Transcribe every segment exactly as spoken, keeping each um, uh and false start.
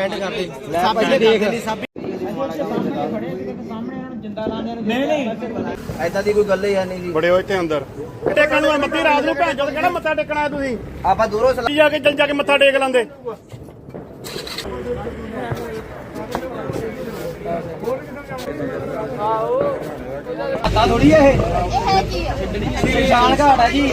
And ਕਰਦੇ ਸਾਬੀ ਦੇਖ ਨਹੀਂ ਨਹੀਂ ਐਦਾਂ ਦੀ ਕੋਈ ਗੱਲ ਹੀ ਨਹੀਂ ਜੀ। ਬੜੇ ਹੋ ਇੱਥੇ ਅੰਦਰ ਟੇਕਣ ਨੂੰ ਮੱਤੀ ਰਾਤ ਨੂੰ ਭੈਣ ਚੋਦ ਕਿਹੜਾ ਮੱਥਾ ਟੇਕਣਾ ਤੁਸੀਂ? ਆਪਾਂ ਦੂਰੋਂ ਜਾ ਕੇ ਚੱਲ ਜਾ ਕੇ ਮੱਥਾ ਟੇਕ ਲੈਂਦੇ। ਪਤਾ ਥੋੜੀ ਇਹ ਸ਼ਾਨ ਘਾਟ ਹੈ ਜੀ।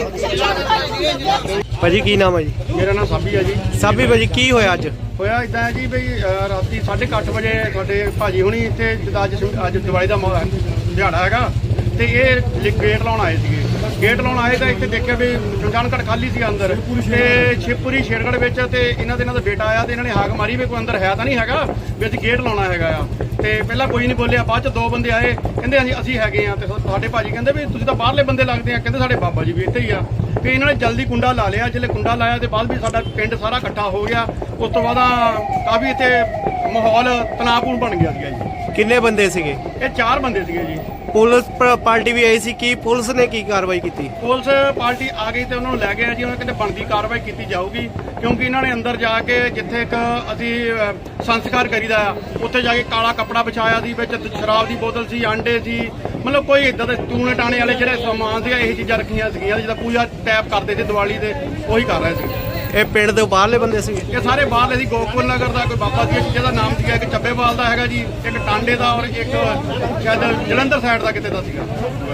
ਭਾਜੀ ਕੀ ਨਾਮ ਹੈ ਜੀ? ਮੇਰਾ ਨਾਮ ਸਾਬੀ ਹੈ ਜੀ। ਸਾਬੀ ਭਾਜੀ ਕੀ ਹੋਇਆ ਅੱਜ? ਹੋਇਆ ਇਦਾਂ ਹੈ ਜੀ ਬਈ ਰਾਤੀ ਸਾਢੇ ਕੁ ਅੱਠ ਵਜੇ ਸਾਡੇ ਭਾਜੀ ਹੁਣੀ ਇੱਥੇ ਜਿੱਦਾਂ ਅੱਜ ਅੱਜ ਦਿਵਾਲੀ ਦਾ ਦਿਹਾੜਾ ਹੈਗਾ ਤੇ ਇਹ ਗੇਟ ਲਾਉਣ ਆਏ ਸੀਗੇ। ਗੇਟ ਲਾਉਣ ਆਏ ਤਾਂ ਇੱਥੇ ਦੇਖਿਆ ਵੀ ਸ਼ਮਸ਼ਾਨ ਘਾਟ ਖਾਲੀ ਸੀ ਅੰਦਰ ਤੇ ਸ਼ਿਵਪੁਰੀ ਸ਼ੇਰਗੜ੍ਹ ਵਿੱਚ ਤੇ ਇਹਨਾਂ ਦੇ ਇਹਨਾਂ ਦਾ ਬੇਟਾ ਆਇਆ ਤੇ ਇਹਨਾਂ ਨੇ ਹਾਕ ਮਾਰੀ ਵੀ ਕੋਈ ਅੰਦਰ ਹੈ ਤਾਂ ਨਹੀਂ ਹੈਗਾ ਵੀ ਅਸੀਂ ਗੇਟ ਲਾਉਣਾ ਹੈਗਾ ਆ। ਤੇ ਪਹਿਲਾਂ ਕੋਈ ਨਹੀਂ ਬੋਲਿਆ, ਬਾਅਦ ਚ ਦੋ ਬੰਦੇ ਆਏ ਕਹਿੰਦੇ ਅਸੀਂ ਅਸੀਂ ਹੈਗੇ ਆ ਤੇ ਸਾਡੇ ਭਾਜੀ ਕਹਿੰਦੇ ਵੀ ਤੁਸੀਂ ਤਾਂ ਬਾਹਰਲੇ ਬੰਦੇ ਲੱਗਦੇ ਆ, ਕਹਿੰਦੇ ਸਾਡੇ ਬਾਬਾ ਜੀ ਵੀ ਇੱਥੇ ਹੀ ਆ। ਤੇ ਇਹਨਾਂ ਨੇ ਜਲਦੀ ਕੁੰਡਾ ਲਾ ਲਿਆ। ਜਿਹੜੇ ਕੁੰਡਾ ਲਾਇਆ ਤੇ ਬਾਅਦ ਵੀ ਸਾਡਾ ਪਿੰਡ ਸਾਰਾ ਇਕੱਠਾ ਹੋ ਗਿਆ। ਉਸ ਤੋਂ ਬਾਅਦ ਕਾਫੀ ਇੱਥੇ ਮਾਹੌਲ ਤਣਾਅਪੂਰਨ ਬਣ ਗਿਆ ਸੀਗਾ ਜੀ। ਕਿੰਨੇ ਬੰਦੇ ਸੀਗੇ? ਇਹ ਚਾਰ ਬੰਦੇ ਸੀਗੇ ਜੀ। ਪੁਲਿਸ ਪਾਰਟੀ ਵੀ ਆਈ ਸੀ, ਕੀ ਪੁਲਿਸ ਨੇ ਕੀ ਕਾਰਵਾਈ ਕੀਤੀ? ਪੁਲਿਸ ਪਾਰਟੀ ਆ ਗਈ ਤੇ ਉਹਨਾਂ ਨੂੰ ਲੈ ਗਿਆ ਜੀ। ਉਹਨਾਂ ਕਹਿੰਦੇ ਬਣਦੀ ਕਾਰਵਾਈ ਕੀਤੀ ਜਾਊਗੀ ਕਿਉਂਕਿ ਇਹਨਾਂ ਨੇ ਅੰਦਰ ਜਾ ਕੇ ਜਿੱਥੇ ਇੱਕ ਅਸੀਂ ਸੰਸਕਾਰ ਕਰੀਦਾ ਆ ਉੱਥੇ ਜਾ ਕੇ ਕਾਲਾ ਕੱਪੜਾ ਵਿਛਾਇਆ ਸੀ, ਵਿੱਚ ਸ਼ਰਾਬ ਦੀ ਬੋਤਲ ਸੀ, ਆਂਡੇ ਸੀ, ਮਤਲਬ ਕੋਈ ਇਦਾਂ ਦੇ ਟੂਣੇ ਟਾਣੇ ਵਾਲੇ ਜਿਹੜੇ ਸਮਾਨ ਸੀਗਾ ਇਹ ਚੀਜ਼ਾਂ ਰੱਖੀਆਂ ਸੀਗੀਆਂ ਜਿੱਦਾਂ ਪੂਜਾ ਟੈਪ ਕਰਦੇ ਸੀ ਦੀਵਾਲੀ ਦੇ, ਉਹੀ ਕਰ ਰਹੇ ਸੀ। ਇਹ ਪਿੰਡ ਦੇ ਬਾਹਰਲੇ ਬੰਦੇ ਸੀਗੇ? ਇਹ ਸਾਰੇ ਬਾਹਰਲੇ ਸੀ। ਗੋਕੁਲ ਨਗਰ ਦਾ ਕੋਈ ਬਾਬਾ ਸੀ ਜਿਹਦਾ ਨਾਮ ਸੀਗਾ, ਇੱਕ ਚੱਬੇਵਾਲ ਦਾ ਹੈਗਾ ਜੀ, ਇੱਕ ਟਾਂਡੇ ਦਾ ਔਰ ਇੱਕ ਸ਼ਾਇਦ ਜਲੰਧਰ ਸਾਈਡ ਦਾ ਕਿਤੇ ਦਾ ਸੀਗਾ।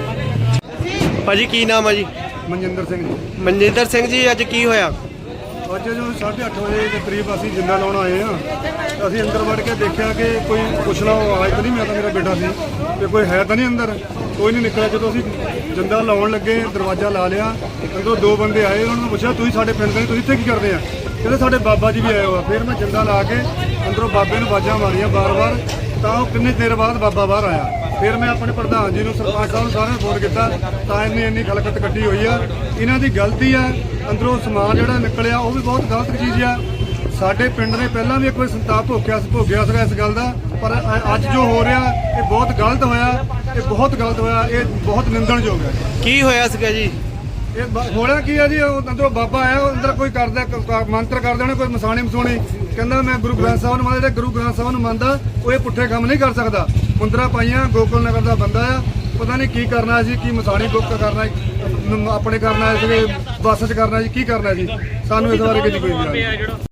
ਭਾਜੀ ਕੀ ਨਾਮ ਹੈ ਜੀ? ਮਨਜਿੰਦਰ ਸਿੰਘ ਜੀ। ਮਨਜਿੰਦਰ ਸਿੰਘ ਜੀ ਅੱਜ ਕੀ ਹੋਇਆ? ਅੱਜ ਜੋ ਸਾਢੇ ਅੱਠ ਵਜੇ ਦੇ ਕਰੀਬ ਅਸੀਂ ਜਿੰਦਾ ਲਾਉਣ ਆਏ ਆ। ਅਸੀਂ ਅੰਦਰ ਵੜ ਕੇ ਦੇਖਿਆ ਕਿ ਕੋਈ ਪੁੱਛਣਾ ਆਵਾਜ਼ ਤਾਂ ਨਹੀਂ, ਮੈਂ ਤਾਂ ਮੇਰਾ ਬੇਟਾ ਸੀ ਤੇ ਕੋਈ ਹੈ ਤਾਂ ਨਹੀਂ ਅੰਦਰ, ਕੋਈ ਨਹੀਂ ਨਿਕਲਿਆ। ਜਦੋਂ ਅਸੀਂ ਜਿੰਦਾ ਲਾਉਣ ਲੱਗੇ ਦਰਵਾਜ਼ਾ ਲਾ ਲਿਆ, ਅੰਦਰੋਂ ਦੋ ਬੰਦੇ ਆਏ। ਉਹਨਾਂ ਨੂੰ ਪੁੱਛਿਆ ਤੁਸੀਂ ਸਾਡੇ ਪਿੰਡ ਦੇ, ਤੁਸੀਂ ਇੱਥੇ ਕੀ ਕਰਦੇ ਆ? ਕਹਿੰਦੇ ਸਾਡੇ ਬਾਬਾ ਜੀ ਵੀ ਆਏ ਹੋਆ। ਫਿਰ ਮੈਂ ਜਿੰਦਾ ਲਾ ਕੇ ਅੰਦਰੋਂ ਬਾਬੇ ਨੂੰ ਆਵਾਜ਼ਾਂ ਮਾਰੀਆਂ ਬਾਰ-ਬਾਰ, ਤਾਂ ਉਹ ਕਿੰਨੇ ਦੇਰ ਬਾਅਦ ਬਾਬਾ ਬਾਹਰ ਆਇਆ। ਫਿਰ ਮੈਂ ਆਪਣੇ ਪ੍ਰਧਾਨ ਜੀ ਨੂੰ, ਸਰਪੰਚ ਸਾਹਿਬ ਨੂੰ, ਸਾਰਿਆਂ ਨੂੰ ਫੋਨ ਕੀਤਾ ਤਾਂ ਇੰਨੀ ਇੰਨੀ ਖਲਕਤ ਕੱਢੀ ਹੋਈ ਆ। ਇਹਨਾਂ ਦੀ ਗਲਤੀ ਆ। ਅੰਦਰੋਂ ਸਮਾਨ ਜਿਹੜਾ ਨਿਕਲਿਆ ਉਹ ਵੀ ਬਹੁਤ ਗਲਤ ਚੀਜ਼ ਆ। ਸਾਡੇ ਪਿੰਡ ਨੇ ਪਹਿਲਾਂ ਵੀ ਇੱਕ ਵਾਰ ਸੰਤਾਪ ਭੋਗਿਆ ਭੋਗਿਆ ਸੀਗਾ ਇਸ ਗੱਲ ਦਾ, ਪਰ ਅੱਜ ਜੋ ਹੋ ਰਿਹਾ ਇਹ ਬਹੁਤ ਗਲਤ ਹੋਇਆ। ਇਹ ਬਹੁਤ ਗਲਤ ਹੋਇਆ। ਇਹ ਬਹੁਤ ਨਿੰਦਣਯੋਗ ਹੈ। ਕੀ ਹੋਇਆ ਸੀਗਾ ਜੀ? ਇਹ ਹੋਇਆ ਕੀ ਆ ਜੀ, ਉਹ ਅੰਦਰੋਂ ਬਾਬਾ ਆਇਆ, ਉਹ ਅੰਦਰ ਕੋਈ ਕਰਦਾ ਮੰਤਰ ਕਰਦੇ ਹੋਣੇ, ਕੋਈ ਮਸਾਣੀ ਮਸੂਣੀ, ਕਹਿੰਦਾ ਮੈਂ ਗੁਰੂ ਗ੍ਰੰਥ ਸਾਹਿਬ ਨੂੰ ਮੰਨਦਾ। ਜਿਹੜੇ ਗੁਰੂ ਗ੍ਰੰਥ ਸਾਹਿਬ ਨੂੰ ਮੰਨਦਾ ਉਹ ਇਹ ਪੁੱਠੇ ਕੰਮ ਨਹੀਂ ਕਰ ਸਕਦਾ। ਮੁੰਦਰਾ ਪਾਈਆਂ, ਗੋਕੁਲ ਨਗਰ ਦਾ ਬੰਦਾ ਆ, ਪਤਾ ਨਹੀਂ ਕੀ ਕਰਨਾ ਸੀ, ਕੀ ਮਸਾਣੀ ਬੁੱਕ ਕਰਨਾ ਆਪਣੇ ਕਰਨਾ ਸੀ, ਬੱਸ 'ਚ ਕਰਨਾ ਸੀ, ਕੀ ਕਰਨਾ ਸੀ, ਸਾਨੂੰ ਇਸ ਬਾਰੇ ਕੋਈ ਨਹੀਂ।